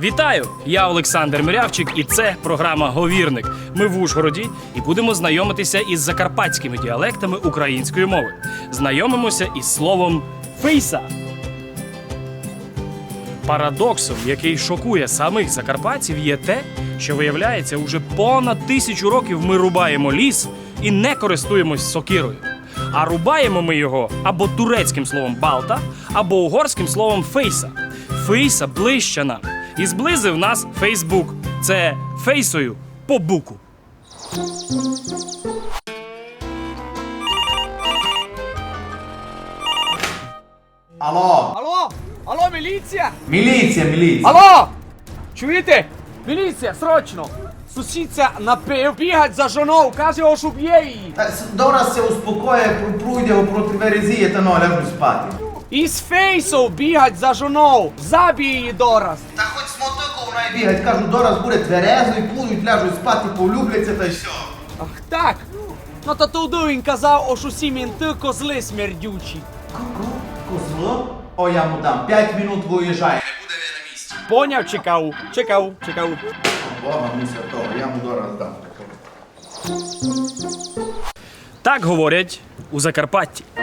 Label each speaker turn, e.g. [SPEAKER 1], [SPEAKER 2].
[SPEAKER 1] Вітаю! Я Олександр Мирявчик, і це програма «Говірник». Ми в Ужгороді і будемо знайомитися із закарпатськими діалектами української мови. Знайомимося із словом «фейса». Парадоксом, який шокує самих закарпатців, є те, що, виявляється, уже понад 1000 років ми рубаємо ліс і не користуємось сокирою. А рубаємо ми його або турецьким словом «балта», або угорським словом «фейса». «Фейса» ближче нам. І зблизив нас Фейсбук. Це фейсою по буку.
[SPEAKER 2] Алло!
[SPEAKER 3] Алло! Алло, міліція!
[SPEAKER 2] Міліція!
[SPEAKER 3] Алло! Чуєте? Міліція, срочно! Сусідця напив, бігать за жоною, каже, що б'є її.
[SPEAKER 2] Добре се успокоє, пройде проти верезії, та ну, ляжу спати.
[SPEAKER 3] Із фейсов бігать за жоною, забій її дораз.
[SPEAKER 2] Та хоч з мотиком вона бігать, кажу, дораз буде тверезо і будуть, ляжуть спати, полюбляться та й все.
[SPEAKER 3] Ах так? Ну то туди він казав, що всі мінти козли смердючі.
[SPEAKER 2] Козло? О, я му дам, 5 минут виїжджає, не буде він на місці.
[SPEAKER 3] Поняв, чекав.
[SPEAKER 2] Бога му святого, я му дораз дам.
[SPEAKER 1] Так говорять у Закарпатті.